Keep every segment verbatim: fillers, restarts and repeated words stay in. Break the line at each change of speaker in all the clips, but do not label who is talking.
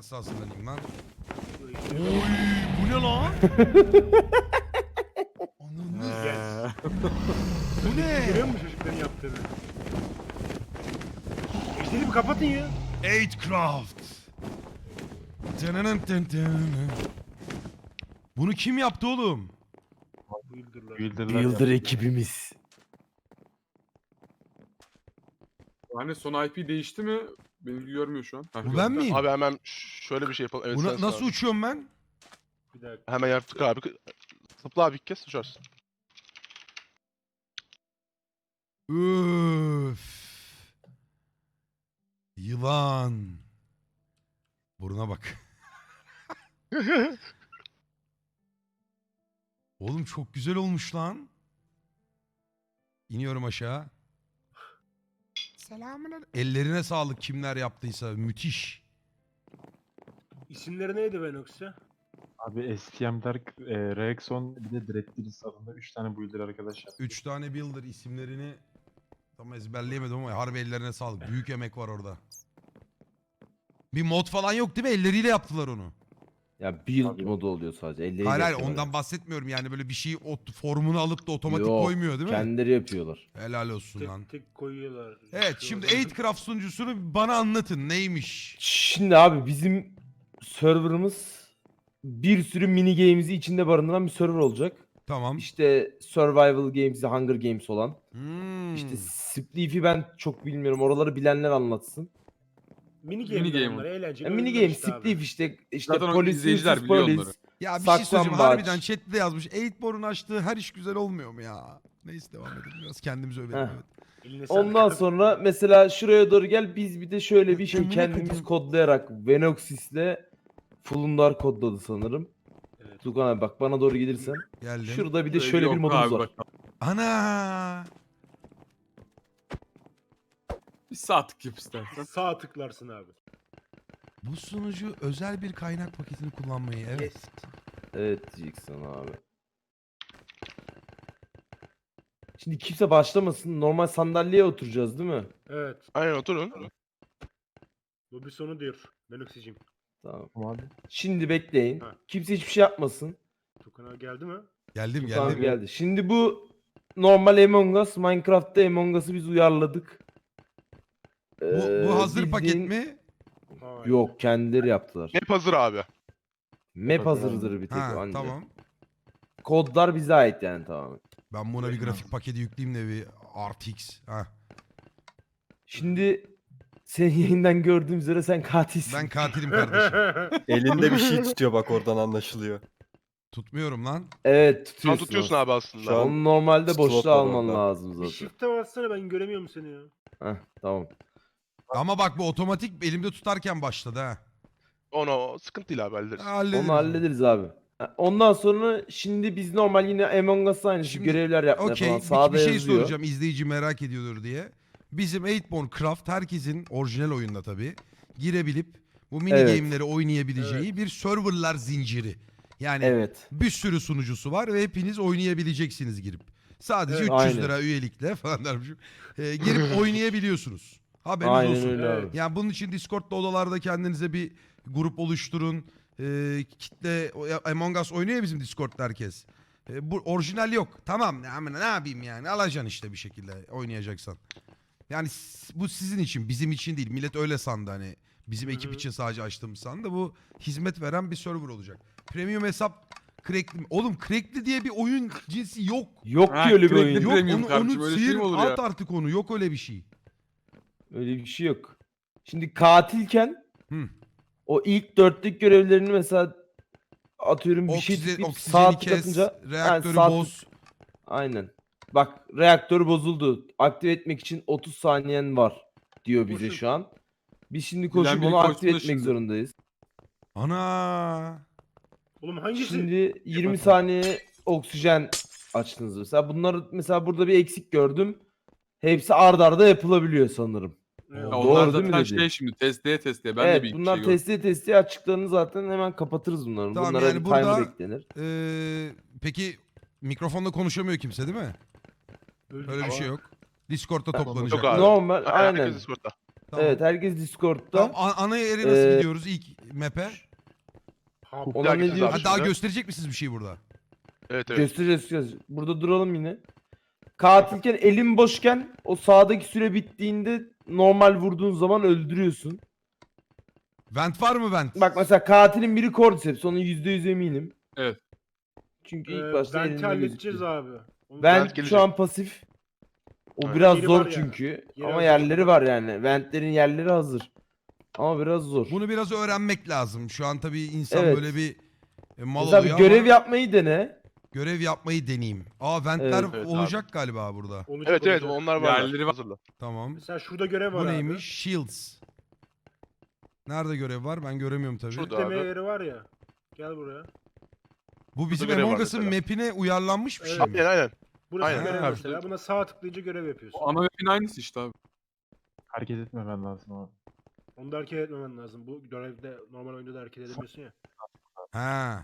nasıl hazırlanayım lan?
Oy bu ne lan? Ananı.
Gel.
Bu ne?
Görüyor musun çocukların yaptığını? Ejderi bir kapatın ya.
Eight Craft. Dınının dın dın. Bunu kim yaptı oğlum?
Builder'lar.
Builder'lar
Builder
yaptı.
ekibimiz.
Hani son I P değişti mi? Beni görmüyor şu an. Heh,
Bu
gördüm.
ben miyim?
Abi hemen şöyle bir şey yapalım. Evet,
Buna,
sensin
nasıl
abi.
uçuyorum ben?
Bir dakika.
Hemen yaptık abi. Zıpla abi ilk kez uçarsın.
Üf. Yılan. Buruna bak. Oğlum çok güzel olmuş lan. İniyorum aşağı. Selamünaleyküm. Ellerine sağlık kimler yaptıysa. Müthiş.
İsimleri neydi Venox'a?
Abi S T M Dark, e, Rexon bir de Dreaddiris adında üç tane builder arkadaş yaptı.
Üç tane builder isimlerini tam ezberleyemedim ama harbi ellerine sağlık. Büyük emek var orada. Bir mod falan yok değil mi? Elleriyle yaptılar onu.
Ya build
Abi.
modu oluyor sadece. Elleriyle
Hayır hayır
yapıyorlar.
ondan bahsetmiyorum yani böyle bir şeyi o formunu alıp da otomatik
Yok,
koymuyor değil mi?
Kendileri yapıyorlar.
Helal olsun lan.
Tek tek koyuyorlar.
Evet şimdi eight Craft sunucusunu bana anlatın neymiş?
Şimdi abi bizim serverımız bir sürü mini games'i içinde barındıran bir server olacak.
Tamam.
İşte survival games'i, Hunger Games olan.
Hmm.
İşte Spleef'i ben çok bilmiyorum. Oraları bilenler anlatsın.
Mini game,
Mini game
bunlar, eğlenceli.
Ya mini
oyunlar
game,
işte abi.
Spleef işte işte
Zaten o
polis,
izleyiciler
hırsız
biliyor
polis.
onları.
Ya bir şey söyleyeceğim
saklambaç.
harbiden chatte yazmış. Eightborn'un açtığı her iş güzel olmuyor mu ya? Neyse devam edelim biraz kendimizi övelim.
Heh.
Evet.
Eline sağlık.
Ondan sonra mesela şuraya doğru gel biz bir de şöyle bir şey
Amına
kendimiz
koyayım.
kodlayarak Venoxis'le Fulundar kodladı sanırım.
Evet.
Tukan abi bak bana doğru gelirsen.
Geldim.
Şurada bir de
Öyle
şöyle bir
yok
modumuz
abi,
var.
bak.
Ana!
Bir saatlik yap istersen.
Sağ tıklarsın abi.
Bu sunucu özel bir kaynak paketini kullanmayı evet.
Evet diyeceksin abi. Şimdi kimse başlamasın. Normal sandalyeye oturacağız değil mi?
Evet.
Aynen oturun.
Lobi sonu diyor. Venox'cim.
Tamam.
Tamam abi.
Şimdi bekleyin.
Ha.
Kimse hiçbir şey yapmasın.
Tukan abi geldi mi?
Geldim
Tamam
geldim.
geldi. Şimdi bu normal Among Us. Minecraft'ta Among Us'ı biz uyarladık.
Bu,
Ee,
bu hazır paket
bildiğin-
mi?
Hayır.
Yok kendileri yaptılar.
Map hazır abi.
Map hazırdır bir tek
Ha
anca.
tamam.
Kodlar bize ait yani tamamen.
Ben buna bir grafik paketi yükleyeyim de bir R T X. Ha.
Şimdi senin yayından gördüğüm üzere sen katilsin.
Ben katilim kardeşim.
Elinde bir şey tutuyor bak oradan anlaşılıyor.
Tutmuyorum lan.
Evet
Sen
tutuyorsun.
tutuyorsun abi aslında.
Şu an-
Onu normalde
Slot
boşluğa
var
alman
orada.
lazım
Bir
zaten.
shift'e bassana ben göremiyorum seni ya.
Heh, tamam.
Ama bak bu otomatik elimde tutarken başladı ha.
Onu sıkıntı değil abi hallederiz.
Hallederiz.
Onu hallederiz abi. Ha, Ondan sonra şimdi biz normal yine Among Us aynı
Şimdi-
görevler yapmaya
Okey
falan
bir,
sağda
bir şey
yazıyor.
soracağım izleyici merak ediyordur diye. Bizim Eightborn Craft herkesin orijinal oyunda tabii girebilip bu mini
Evet.
game'leri oynayabileceği bir serverlar zinciri. Yani
Evet.
bir sürü sunucusu var ve hepiniz oynayabileceksiniz girip. Sadece
Evet,
üç yüz
aynen.
lira üyelikle falan dermişim. Ee, girip oynayabiliyorsunuz. Haberiniz
Aynen
olsun.
öyle abi.
Yani bunun için Discord'da odalarda kendinize bir grup oluşturun. Ee, kitle Among Us oynuyor ya bizim Discord'da herkes. Ee, bu orijinal yok. Tamam ne, ne yapayım yani alacaksın işte bir şekilde oynayacaksan. Yani s- bu sizin için bizim için değil. Millet öyle sandı hani. Bizim
Hı hı.
ekip için sadece açtığımız sandı. Bu hizmet veren bir server olacak. Premium hesap crackli. Oğlum crackli diye bir oyun cinsi yok.
Yok
Ha,
ki öyle bir
crackli
oyun.
Yok
Premium
onu,
kardeşim,
onu
öyle şey
sıyır
mi olur
at
ya?
artık onu. Yok öyle bir şey.
Öyle bir şey yok. Şimdi katilken
Hı.
o ilk dörtlük görevlerini mesela atıyorum bir şey
Oksijen,
tıklayıp
oksijeni
sağ
kes,
tıklatınca
reaktörü
sağ tık-
boz.
Aynen. Bak reaktör bozuldu. Aktive etmek için otuz saniyen var diyor bize
Koşun.
şu an. Biz şimdi
Bilen
koşup
biri
onu
koşsun
aktive
da
etmek
şimdi.
zorundayız.
Ana.
Oğlum hangisi?
Şimdi yirmi saniye oksijen açtınız mesela. Bunları mesela burada bir eksik gördüm. Hepsi ard arda yapılabiliyor sanırım.
Evet.
Ya
Doğru
onlar
değil mi
zaten
dedi?
şey şimdi testeye testeye. Ben de
evet
bir
bunlar
şey gördüm.
testi testi açıklarını zaten hemen kapatırız bunları.
Tamam,
Bunlara
yani
bir
burada-
timer eklenir.
Ee, peki mikrofonla konuşamıyor kimse değil mi?
Öldü.
Öyle bir şey yok. Discord'da
Tamam.
toplanacak.
Yok abi.
Normal
Aynen.
aynen.
Herkes Discord'da.
Tamam.
Evet herkes Discord'da.
Tamam, a- ana yere nasıl
Ee,
gidiyoruz ilk map'e?
Ha,
Olan
Daha
ne
gideceğiz
diyor?
abi
Ha, daha
şimdi.
gösterecek misiniz bir şey burada?
Evet evet.
Göstereceğiz, göstereceğiz. Burada duralım yine. Katilken elin boşken o sağdaki süre bittiğinde normal vurduğun zaman öldürüyorsun.
Vent var mı vent?
Bak mesela katilin biri Cordyceps, onun yüzde yüz eminim.
Evet.
Çünkü
Ee,
ilk başta
Vent'i
elinde
halledeceğiz
gözüküyor.
abi. Onu-
Vent
Vent gelecek.
şu an pasif. O
Evet.
biraz
Yeri
zor
var yani.
çünkü.
Yeri
Ama
hazır.
yerleri var yani. Ventlerin yerleri hazır. Ama biraz zor.
Bunu biraz öğrenmek lazım. Şu an tabii insan
Evet.
böyle bir e, mal
Mesela bir
oluyor
görev
ama
yapmayı dene.
görev yapmayı deneyeyim. Aa ventler
Evet.
Evet abi.
olacak galiba burada.
olacak,
Evet evet
olacak.
onlar var.
Yerleri var.
Hazırla.
Tamam.
Mesela şurada görev var
Bu
abi.
neymiş? Shields. Nerede görev var? Ben göremiyorum tabii.
Şurada.
Yükleme
abi.
yeri var ya. Gel buraya.
Bu bizim
görev var
Among Us'ın
mesela.
map'ine uyarlanmış bir şey
Evet.
mi?
Aynen aynen.
Burası
Aynen.
görev
Ha.
mesela. Buna sağ tıklayınca görev yapıyorsun.
O ana map'in aynısı işte abi.
Hareket etmemen lazım abi.
Onu da hareket etmemen lazım. Bu görevde normal oyunda da hareket edemiyorsun ya.
Ha.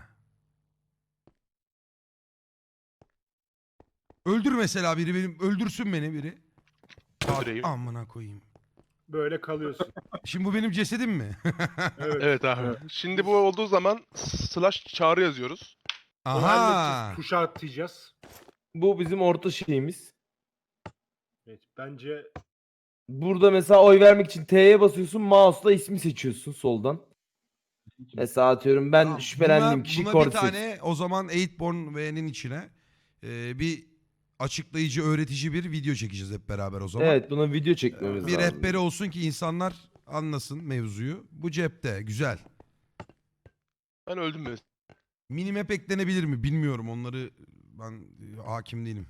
Öldür mesela biri benim. Öldürsün beni biri.
Öldüreyim.
Amına koyayım.
Böyle kalıyorsun.
Şimdi bu benim cesedim mi?
Evet.
Evet abi. Şimdi bu olduğu zaman slash çağrı yazıyoruz.
Onu
Aha.
halledeceğiz. Tuşa atlayacağız.
Bu bizim orta şeyimiz.
Evet. Bence
Burada mesela oy vermek için T'ye basıyorsun. Mouse'la ismi seçiyorsun soldan. Mesela atıyorum ben
Tamam,
şüphelendiğim
buna,
kişi
buna bir
Cordyceps.
tane o zaman Eightborn V'nin içine e, bir açıklayıcı, öğretici bir video çekeceğiz hep beraber o zaman.
Evet, buna video çekmemiz
Bir
lazım.
rehberi olsun ki insanlar anlasın mevzuyu. Bu cepte. Güzel.
Ben öldüm mü?
Minimap eklenebilir mi bilmiyorum. Onları ben e, hakim değilim.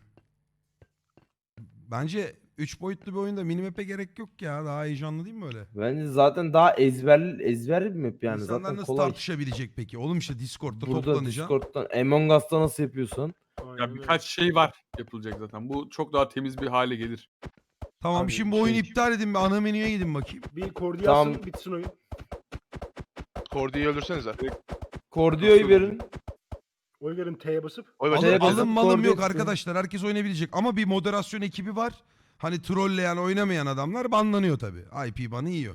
Bence üç boyutlu bir oyunda minimap'e gerek yok ya. Daha heyecanlı değil mi öyle?
Bence zaten daha ezber ezber bir map yani.
İnsanlar
Zaten
nasıl
kolay.
tartışabilecek peki? Oğlum işte Discord'da
Burada
toplanacaksın.
Discord'dan Among Us'ta nasıl yapıyorsan.
aynen
Ya
öyle.
birkaç şey var yapılacak zaten. Bu çok daha temiz bir hale gelir.
Tamam
Abi,
şimdi bu oyunu
şey-
iptal edin. Bir ana menüye gidin bakayım.
Bir kordiyi
Tamam.
alsın bitsin oyun.
Kordi'yi öldürsenize.
Kordio'yu verin.
Oy verin T'ye basıp.
Oy
Alın,
başlayalım.
Şeye basıp
alın malım yok
koordinatsin.
arkadaşlar. Herkes oynayabilecek. Ama bir moderasyon ekibi var. Hani trolleyen, oynamayan adamlar banlanıyor tabii. I P banı yiyor.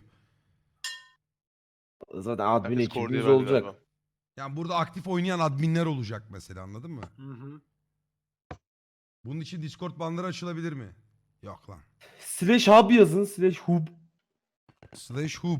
Zaten admin
Herkes Kordi'ye
ekibimiz
verdi
olacak.
galiba.
Yani burada aktif oynayan adminler olacak mesela, anladın mı?
Hı hı.
Bunun için Discord banları açılabilir mi? Yok lan.
Slash hub yazın. Slash hub.
Slash hub.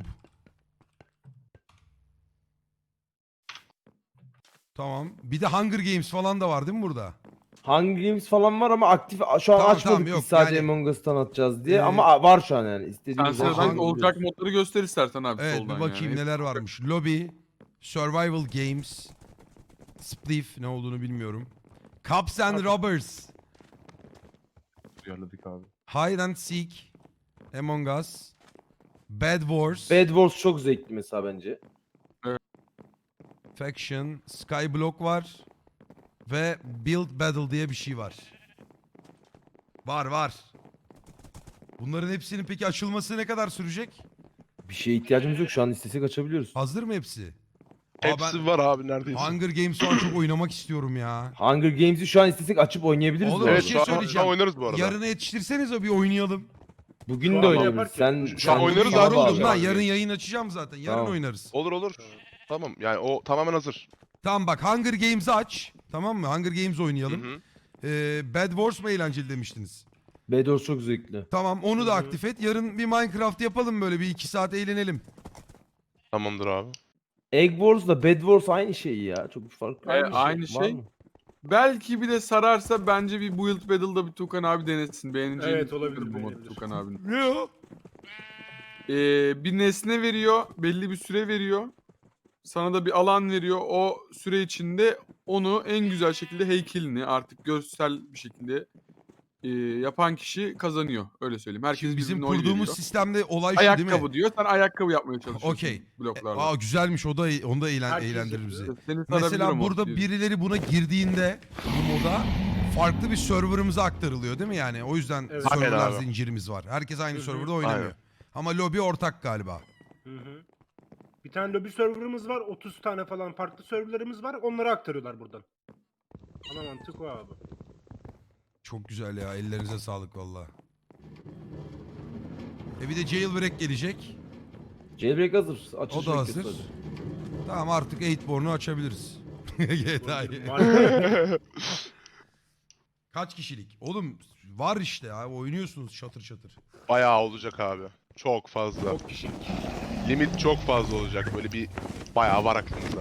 Tamam. Bir de Hunger Games falan da var değil mi burada?
Hunger Games falan var ama aktif şu an
Tamam,
açmadık
tamam,
biz
yok,
sadece
yani-
Among Us'tan atacağız diye
Ee,
ama var şu an yani
Sen
istediğimiz
Sen
sıradan
hangi-
olacak modları göster istersen abi
Evet
soldan
bir bakayım
yani.
neler varmış. Lobby, Survival Games, Spliff ne olduğunu bilmiyorum. Cops and Robbers,
Uyarladık abi.
Hide and Seek, Among Us, Bad Wars,
Bad Wars çok zevkli mesela bence.
Faction, Skyblock var ve Build Battle diye bir şey var. Var var. Bunların hepsinin peki açılması ne kadar sürecek?
Bir şeye ihtiyacımız yok şu an istesek açabiliyoruz.
Hazır mı hepsi? Aa,
Hepsi
ben
var abi neredeyse.
Hunger Games falan çok oynamak istiyorum ya.
Hunger Games'i şu an istesek açıp oynayabiliriz.
Oğlum,
bu
bir
Evet
arada.
şey
şu an,
söyleyeceğim.
şu an oynarız bu arada.
Yarına yetiştirsenize bir oynayalım.
Bugün
Şu
de
an
oynayabiliriz.
yaparken-
Sen
Şu an
sen
oynarız
bugün
abi,
abi.
Yoruldum
abi.
lan, yarın yayın açacağım zaten. Yarın
Tamam.
oynarız.
Olur olur. Tamam yani o tamamen hazır.
Tamam bak, Hunger Games'i aç. Tamam mı? Hunger Games oynayalım.
Hı hı.
Ee, Bad Wars mı eğlenceli demiştiniz?
Bad Wars çok zevkli.
Tamam onu da
Hı hı.
aktif et. Yarın bir Minecraft yapalım, böyle bir iki saat eğlenelim.
Tamamdır abi.
Egg Wars'la Bad Wars aynı şey ya. Çok bir fark
E, aynı
var
şey.
mı?
Belki bir de sararsa bence bir Build Battle'da bir Tukan abi denesin. Beğeneceğini
Evet, olabilir,
düşünüyorum bu modu
beğenebilir.
Tukan abinin.
Ne o?
Ee, bir nesne veriyor, belli bir süre veriyor. Sana da bir alan veriyor. O süre içinde onu en güzel şekilde heykelini artık görsel bir şekilde e, yapan kişi kazanıyor. Öyle söyleyeyim. Herkes
Şimdi bizim
birbirine oy
kurduğumuz
veriyor.
sistemde olay şu değil mi?
Ayakkabı diyor. Sen ayakkabı yapmaya çalışıyorsun
Okey.
bloklarla.
Aa güzelmiş, o da onu da eğlen,
Herkes
eğlendirir bizi.
yapıyor.
Seni sarabilirim
Mesela
o
burada
diyor.
birileri buna girdiğinde bu moda farklı bir serverımıza aktarılıyor değil mi yani? O yüzden
Evet.
serverlar
Aynen abi.
zincirimiz var. Herkes aynı
Hı hı.
serverda oynamıyor.
Aynen.
Ama lobi ortak galiba.
Hı hı. Bir tane lobby serverımız var. otuz tane falan farklı serverlarımız var. Onları aktarıyorlar buradan. Ana mantık o abi.
Çok güzel ya, ellerinize sağlık valla. E bir de Jailbreak gelecek.
Jailbreak hazır.
O
Açılış
da
bekliyoruz
hazır.
sadece.
Tamam artık Eightborn'u açabiliriz. G T A'yı.
Var-
Kaç kişilik? Oğlum var işte ya oynuyorsunuz çatır çatır.
Bayağı olacak abi. Çok fazla.
Çok kişilik.
Limit çok fazla olacak. Böyle bir bayağı var aklımızda.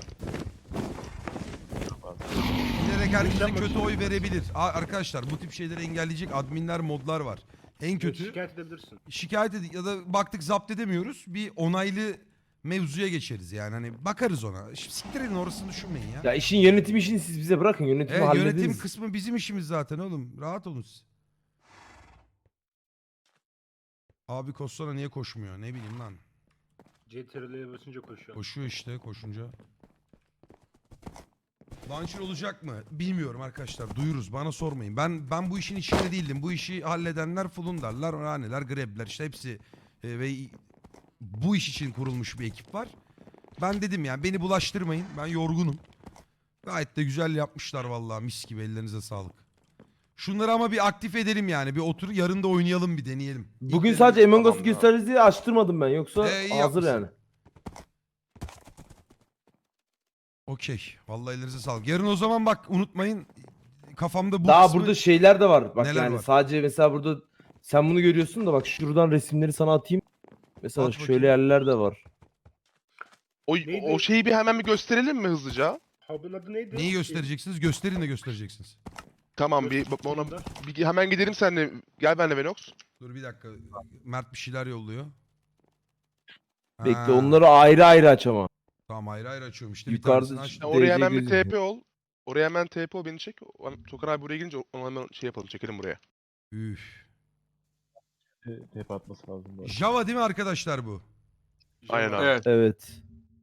Bilerek herkese
Mükemmel.
kötü oy verebilir. Aa, arkadaşlar bu tip şeyleri engelleyecek adminler modlar var. En kötü
Şikayet edebilirsin.
şikayet edin ya da baktık zapt edemiyoruz. Bir onaylı mevzuya geçeriz yani hani bakarız ona. Şimdi siktir edin orasını düşünmeyin ya.
Ya işin yönetim işini siz bize bırakın. Yönetimi
Evet,
hallederiz.
yönetim kısmı bizim işimiz zaten oğlum. Rahat olun siz. Abi Kostana niye koşmuyor? Ne bileyim lan.
C T R L'ye basınca koşuyor.
Koşuyor işte koşunca. Launcher olacak mı? Bilmiyorum arkadaşlar. Duyuruz. Bana sormayın. Ben ben bu işin içinde değildim. Bu işi halledenler Fulundarlar, Raneler, Grebler işte hepsi e, ve bu iş için kurulmuş bir ekip var. Ben dedim yani beni bulaştırmayın. Ben yorgunum. Gayet de güzel yapmışlar vallahi mis gibi ellerinize sağlık. Şunları ama bir aktif edelim yani. Bir otur yarın da oynayalım bir deneyelim.
Bugün
İlk
sadece Among Us'u
Tamam,
gösteririz diye açtırmadım ben. Yoksa
Ee, iyi
hazır
yapmışsın.
yani.
Okey. Vallahi ellerinize sağlık. Yarın o zaman bak unutmayın. Kafamda bu
Daha
kısmı-
burada şeyler de var. Bak
Neler
yani
var?
sadece mesela burada sen bunu görüyorsun da bak şuradan resimleri sana atayım. Mesela
At
şöyle
bakayım.
yerler de var.
O,
Neydi?
o şeyi bir hemen bir gösterelim mi hızlıca?
Hub'ın adı neydi?
Neyi göstereceksiniz? Gösterin de göstereceksiniz.
Tamam bir
Göster-
ona
Bunda.
bir hemen gidelim seninle. Gel benimle Venox.
Dur bir dakika. Mert bir şeyler yolluyor.
Bekle
Ha,
onları ayrı ayrı aç ama.
Tamam ayrı ayrı açıyorum işte.
Yukarıda
bir tanesini
Ya
açtım.
D
oraya
C
hemen bir
gözüküyor.
T P ol. Oraya hemen T P ol beni çek. O- Tokan abi buraya gelince onu hemen şey yapalım çekelim buraya.
Üf.
T P atması lazım bu arada.
Java değil mi arkadaşlar bu?
Aynen abi.
Evet.
Evet.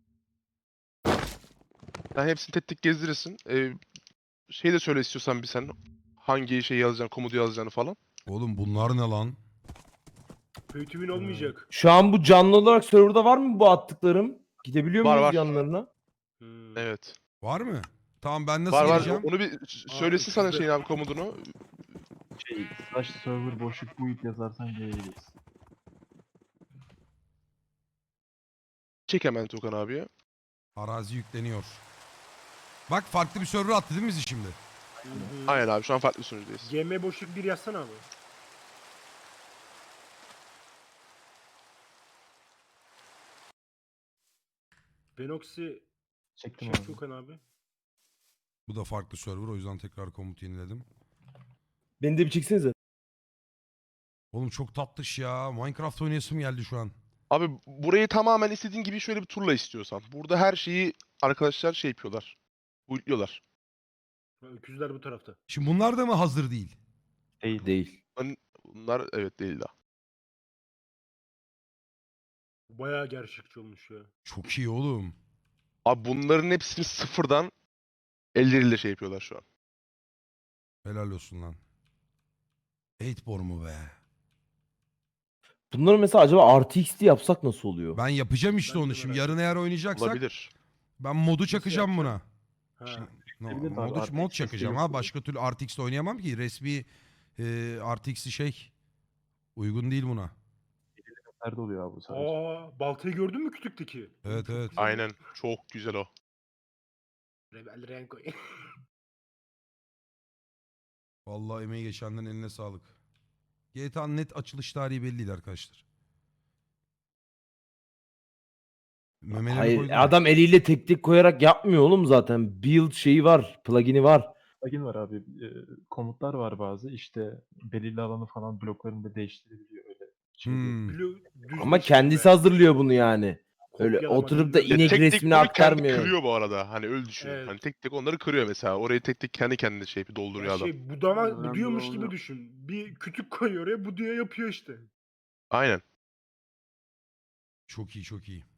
Sen hepsini tek tek gezdirirsin. Ee, şey de söyle istiyorsan bir sen. Hangi şey yazacağını, komodu yazacağını falan.
Oğlum bunlar ne lan?
Pay to win olmayacak.
Şu an bu canlı olarak serverda var mı bu attıklarım? Gidebiliyor
Var,
muyuz
var.
yanlarına?
Hmm.
Evet.
Var mı? Tamam ben nasıl
Var var.
gireceğim?
Onu bir s- söylesin sana
şurada-
şeyin abi komodunu.
Şey, slash server boşluk build yazarsan gelebiliriz.
Çek hemen Tokan abiye.
Arazi yükleniyor. Bak farklı bir server attı değil mi bizi şimdi?
Hı hı.
Aynen abi şu an farklı bir sunucudayız.
G M boşluk bir yazsana abi. Benoxi
Çektim
çek
abi.
Tukan abi.
Bu da farklı server o yüzden tekrar komut yeniledim.
Beni de bir çeksenize.
Oğlum çok tatlış ya. Minecraft oynayasım geldi şu an.
Abi burayı tamamen istediğin gibi şöyle bir turla istiyorsan. Burada her şeyi arkadaşlar şey yapıyorlar. Uyutluyorlar.
Ha, Öküzler bu tarafta.
Şimdi bunlar da mı hazır değil?
Değil.
Değil.
Bunlar evet değil daha.
Bayağı gerçekçi olmuş ya.
Çok iyi oğlum.
Abi bunların hepsini sıfırdan elleriyle şey yapıyorlar şu an.
Helal olsun lan. Eightborn mu be?
Bunları mesela acaba R T X'li yapsak nasıl oluyor?
Ben yapacağım işte
Ben de
onu şimdi.
merak
Yarın eğer oynayacaksak
Olabilir.
ben modu çakacağım buna.
yapacaksın? Ha.
Şimdi, no,
Yapabilir abi,
modu,
R T
mod
X
çakacağım
desteği
ha.
yok.
Başka türlü R T X'te oynayamam ki. Resmi e, R T X'i şey uygun değil buna.
Nerede oluyor abi bu sadece?
Aa, baltayı gördün mü kütükteki?
Evet,
Çok
evet.
güzel.
Aynen. Çok güzel o.
Rebel Renko.
Vallahi emeği geçenlerin eline sağlık. G T A'nın net açılış tarihi belli değil arkadaşlar. Memeleri
Hayır
koydum.
adam eliyle tek tek koyarak yapmıyor oğlum zaten. Build şeyi var. Plugin'i var.
Plugin var abi. e, komutlar var bazı. İşte belirli alanı falan bloklarını da değiştirebiliyor öyle. Şey değil.
Hmm.
Blue, düz
Ama
bir şey
kendisi
be.
hazırlıyor bunu yani. Öyle
Kopyalama,
oturup da
düz bir-
inek
tek tek
resmini
bunu kendi
aktarmıyor.
kırıyor bu arada. Hani öyle düşün.
Evet.
Hani tek tek onları kırıyor mesela. Orayı tek tek kendi kendine şey yapıyor, dolduruyor
Ya
adam.
şey budama,
Önemli
buduyormuş
olan
gibi
o.
düşün. Bir kütük koyuyor oraya buduya yapıyor işte.
Aynen.
Çok iyi çok iyi.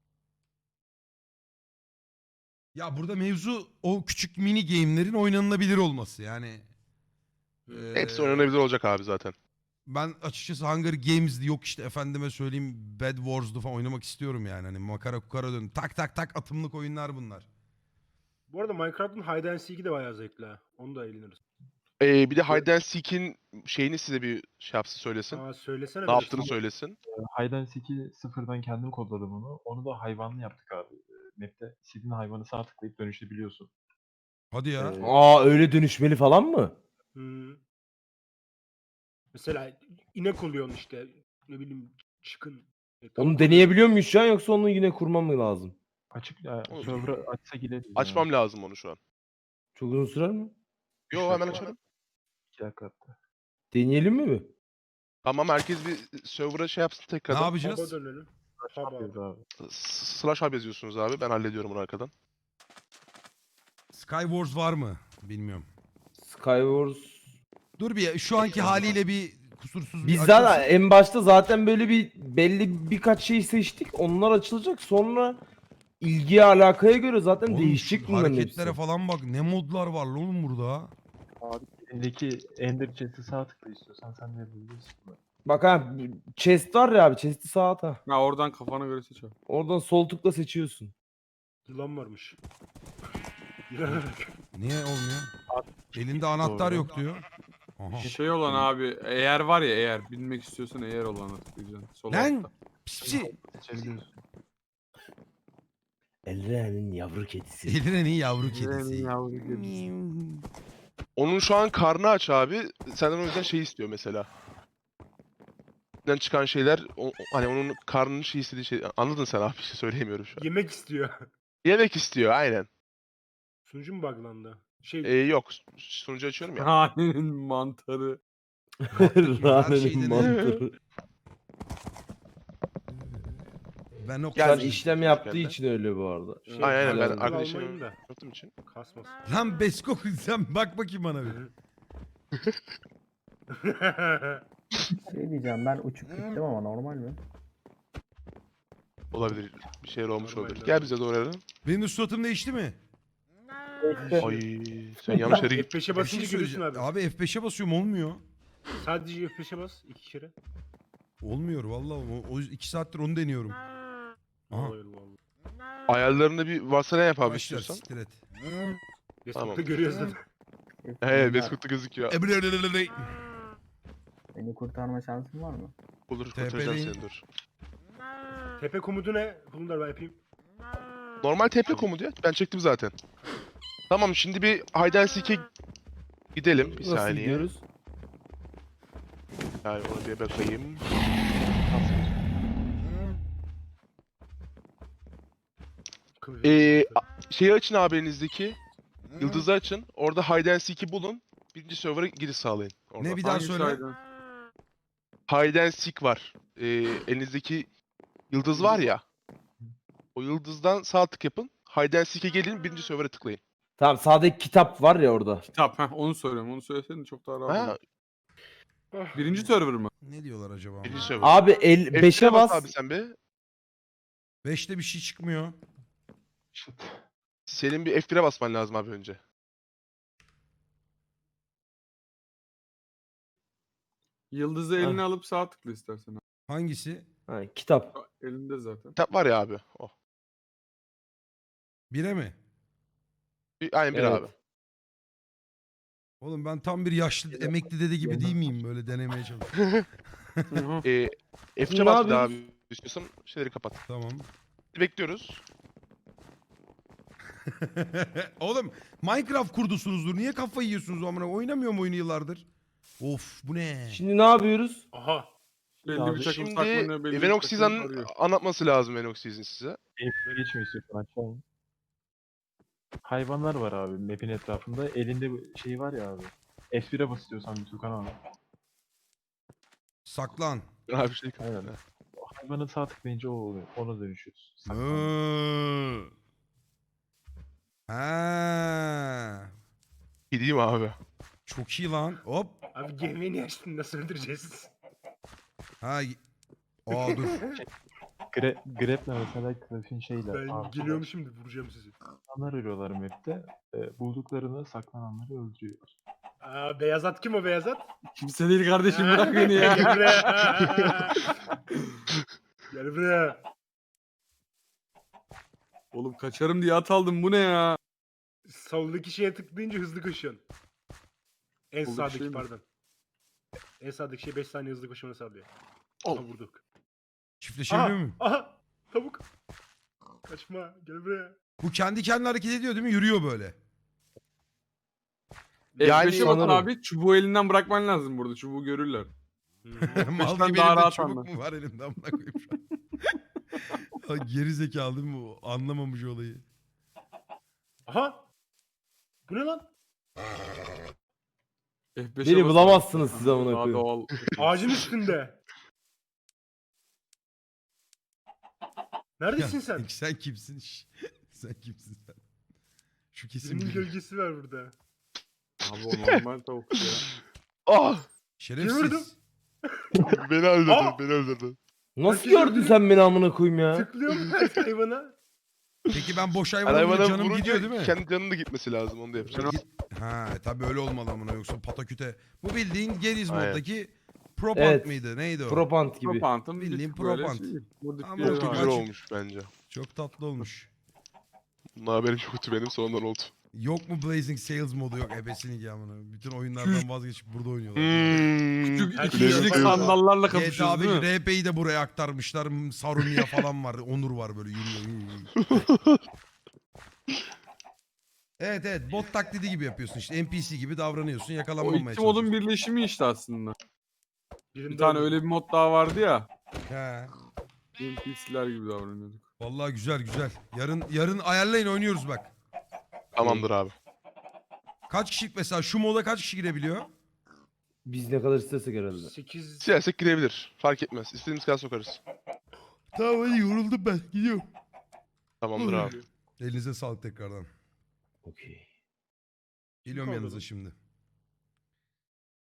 Ya burada mevzu o küçük mini game'lerin oynanılabilir olması yani. Ee,
Hepsi oynanabilir olacak abi zaten.
Ben açıkçası Hunger Games'di yok işte efendime söyleyeyim Bed Wars'du falan oynamak istiyorum yani. Hani makara kukara dön. Tak tak tak atımlık oyunlar bunlar.
Bu arada Minecraft'ın Hide and Seek'i de bayağı zevkli ha. Onu da eğleniriz.
Ee, bir de Hide and Seek'in şeyini size bir şey yapsın söylesin.
Aa söylesene.
Ne
böyle
yaptığını
şey.
söylesin.
Hide and Seek'i sıfırdan kendim kodladım onu. Onu da hayvanlı yaptık abi. E, Map'te istediğin hayvanı sağ tıklayıp dönüşebiliyorsun.
Hadi ya.
Ee,
Aa öyle dönüşmeli falan mı?
Hmm. Mesela inek oluyorsun işte. Ne bileyim çıkın. E, tavuk
Onu
oluyorsun.
deneyebiliyor muyuz şu an yoksa onu yine kurmam mı lazım?
Açık ya,
Olur.
server'ı açsa gideriz.
Açmam lazım onu şu an.
Çok uzun sürer mi?
Yo hemen açarım.
iki dakika hatta.
Deneyelim mi mi?
Tamam herkes bir server'a şey yapsın
Ne
tekrardan.
Hub'a
yapacağız?
dönelim.
Ne
Hub'a.
yapıyoruz abi?
S- Slash hub yazıyorsunuz abi. Ben hallediyorum bunu arkadan.
Skywars var mı? Bilmiyorum.
Skywars.
Dur bir şu anki haliyle bir kusursuz bir
Biz
açılsın.
zaten en başta zaten böyle bir belli birkaç şey seçtik. Onlar açılacak. Sonra ilgiye alakaya göre zaten
Oğlum,
değişecek
şu
bunların
hareketlere
hepsi.
falan bak. Ne modlar var lan oğlum burada.
Abi elindeki Ender Chest'i sağ tıkla istiyorsan sen de yapabilirsin. bunu.
Bak ha chest var ya abi chest'i sağa at ha.
Ha oradan kafana göre seç abi.
Oradan sol tıkla seçiyorsun.
Yılan varmış. Yılana bak.
Niye olmuyor? Elinde anahtar
Doğru.
yok diyor. Aha.
Şey olan abi eğer var ya eğer bilmek istiyorsan eğer olana tıklayacaksın. Sol
Lan!
altta.
Pis pisi.
Seçebiliyorsun.
Elren'in yavru kedisi.
Elirenin yavru kedisi.
Elirenin yavru kedisi.
Onun şu an karnı aç abi. Senden o yüzden şey istiyor mesela. İçinden çıkan şeyler o, o- hani onun karnının şey istediği şey. Anladın sen abi bir şey söyleyemiyorum şu an.
Yemek istiyor.
Yemek istiyor aynen.
Sunucu mu buglandı? Şey
Ee, yok sunucu açıyorum ya.
Hanenin mantarı.
Her
Rane'nin
şeyden-
mantarı.
Ben o
Biraz
Gelmiş.
işlem yaptığı
Geldi.
için öyle bu arada.
Şey,
Aynen aynen ben
güzel.
arkadaşım
almayın da.
yaptığım için.
kasmasın.
Lan Besko sen bak bakayım bana bir.
Şey diyeceğim ben uçup gittim ama normal mi?
Olabilir. Bir şeyler olmuş
Normal,
olabilir.
normal.
Gel bize doğru Eren.
Benim de suratım değişti mi?
Ay sen yanlış yere
F
git.
beşe
Bir şey
basınca görürsün
söyleyeceğim.
abi.
Abi F beşe basıyorum olmuyor.
Sadece F beşe bas iki kere.
Olmuyor vallahi. O, o iki saattir onu deniyorum. Aha.
Allah Allah.
Ayarlarında bir varsayılan yap abi
Başlar
istiyorsan.
siktir et.
Facebook'ta
Tamam.
görüyoruz zaten.
He Beskut'ta gözüküyor.
Ebrelelelele.
Beni kurtarma şansın var mı?
Olur
T P
kurtaracağım
değil.
seni dur.
Tepe komutu ne? Bunu da ben yapayım.
Normal T P komutu ya. Ben çektim zaten. Tamam şimdi bir hide and seek'e gidelim. Bir
Nasıl
saniye.
gidiyoruz?
Yani ona bir bakayım.
Kılıç-
Ee, Şeyi açın abi elinizdeki. Yıldızı açın. Orada hide and seek'i bulun. Birinci server'a giriş sağlayın. Orada.
Ne bir daha
Hangi
söyle.
sayeden?
Hide and seek var. Ee, elinizdeki yıldız var ya. O yıldızdan sağ tık yapın. Hide and seek'e gelin. Birinci server'a tıklayın.
Tamam sağdaki kitap var ya orada.
Kitap heh, onu söylüyorum. Onu söyleseydin çok daha rahat
Ha,
olur. Birinci server mı?
Ne diyorlar acaba?
birinci server.
Abi el
F
beşe
bas
bas.
abi sen be.
beşte bir şey çıkmıyor.
Senin bir F bir'e basman lazım abi önce.
Yıldızı eline alıp sağ tıkla istersen.
Hangisi?
Ha, kitap.
Elinde zaten.
Kitap var ya abi. O.
Bire mi?
Bir, aynen bir
Evet.
abi.
Oğlum ben tam bir yaşlı emekli dede gibi değil miyim böyle denemeye çalışıyorum.
Ee,
Şimdi
F'ce
ne
bas bir daha
yapıyoruz?
abi. İstiyorsan şeyleri kapat.
Tamam.
Bekliyoruz.
Oğlum Minecraft kurdusunuzdur. Niye kafayı yiyorsunuz amına? Oynamıyorum oyunu yıllardır. Of bu ne?
Şimdi ne yapıyoruz?
Aha.
Belli
Abi
bir takım
Şimdi
saklanıyor. Belli bir
Venox
takım
Season'ın
arıyor.
anlatması lazım Venox Season size.
Geçmiyor istiyorsan aşağı in. Hayvanlar var abi map'in etrafında. Elinde bu şey var ya abi. F bir'e bas istiyorsan bir Tukan abi.
Saklan.
Abi şey
Aynen. O hayvanın sağ tıklayınca o oluyor. Ona dönüşüyoruz. Saklan.
Hı. Ha.
Gideyim abi.
Çok iyi lan. Hop.
Abi gemiyi niye açtın? Nasıl öldüreceğiz?
Ha. y- Aa dur.
Gre Grab'le mesela grafiğin şeyle.
Ben
arkadaş,
geliyorum şimdi vuracağım sizi.
Saklananlar arıyorlar map'te. E, bulduklarını saklananları öldürüyorlar.
Aa, beyaz at kim o beyaz at?
Kimse değil kardeşim bırak beni
Gel
ya.
buraya. Gel buraya.
Oğlum kaçarım diye at aldım bu ne ya?
Soldaki şeye tıklayınca hızlı koşuyorsun. En
Soldaki
sağdaki
şey mi?
pardon. En sağdaki şey beş saniye hızlı koşmanı sağlıyor.
Al.
Aha vurduk.
Çiftleşebiliyor
Aha,
muyum?
aha tavuk. Kaçma. Gel buraya.
Bu kendi kendine hareket ediyor değil mi? Yürüyor böyle.
Yani
F beşe bakın
sanırım.
abi. Çubuğu elinden brakman lazım burada. Çubuğu görürler.
Mal
beşten
gibi
daha
elimde
rahat
çubuk
anlar.
mu var elimde amına koyayım şu an. Ha, geri zekalı değil mi bu? Anlamamış olayı.
Aha. Bu ne lan?
F beşe
Beni
basın.
bulamazsınız siz amına
Daha
koyayım.
doğal.
Ağacın üstünde. Neredesin
Ya,
sen?
Sen kimsin? Şş, sen kimsin sen? Şu kesin
Birinin
biri.
gölgesi var burada.
Abi o normal tavuk ya.
Ah!
Şerefsiz.
Gördüm.
Beni öldürdü,
Aa!
beni öldürdü.
Nasıl
Herkes
gördün
öldü.
sen beni amına koyayım ya?
Tıklıyorum her hayvana.
Peki ben boş
Yani
hayvana vurunca
hayvana
canım
vurunca
gidiyor değil mi?
kendi canının da gitmesi lazım, onu da yapacağız.
Git- Ha tabii öyle olmalı amına yoksa pataküte. Bu bildiğin Geriz
Aynen.
moddaki Propant
Evet.
mıydı? Neydi o?
Propant gibi.
Propant'ın bir
Bildiğin
tık böyle
propant.
şey, modifiye
Ama
Çok da
Çok
güzel
açık.
olmuş bence.
Çok tatlı olmuş.
Bunun haberim yoktu benim, sonradan oldu.
Yok mu Blazing Sales modu yok ebesini ki amına. Bütün oyunlardan vazgeçip burada oynuyorlar.
Hmm.
küçük
Herkes
iki kişilik
yapıyor.
sandallarla
G T A
kapışıyoruz
beş
değil mi?
R P'yi de buraya aktarmışlar. Sarunia falan var. Onur var böyle yürüyor. yürüyor. Evet evet bot taklidi gibi yapıyorsun işte. N P C gibi davranıyorsun
O
yakalanmamaya
iki modun
çalışıyorsun.
birleşimi işte aslında.
Birinde
Bir tane
öldüm.
öyle bir mod daha vardı ya.
He.
N P C'ler gibi davranıyorduk.
Vallahi güzel güzel. Yarın yarın ayarlayın oynuyoruz bak.
Tamamdır abi.
Kaç kişi mesela şu moda kaç kişi girebiliyor?
Biz ne kadar istesek herhalde.
sekiz
Siyaset girebilir. Fark etmez. İstediğimiz kadar sokarız.
Tamam hadi yoruldum ben gidiyorum.
Tamamdır abi.
Elinize sağlık tekrardan.
Okey.
Geliyorum
kaldı
yanınıza
lan?
şimdi.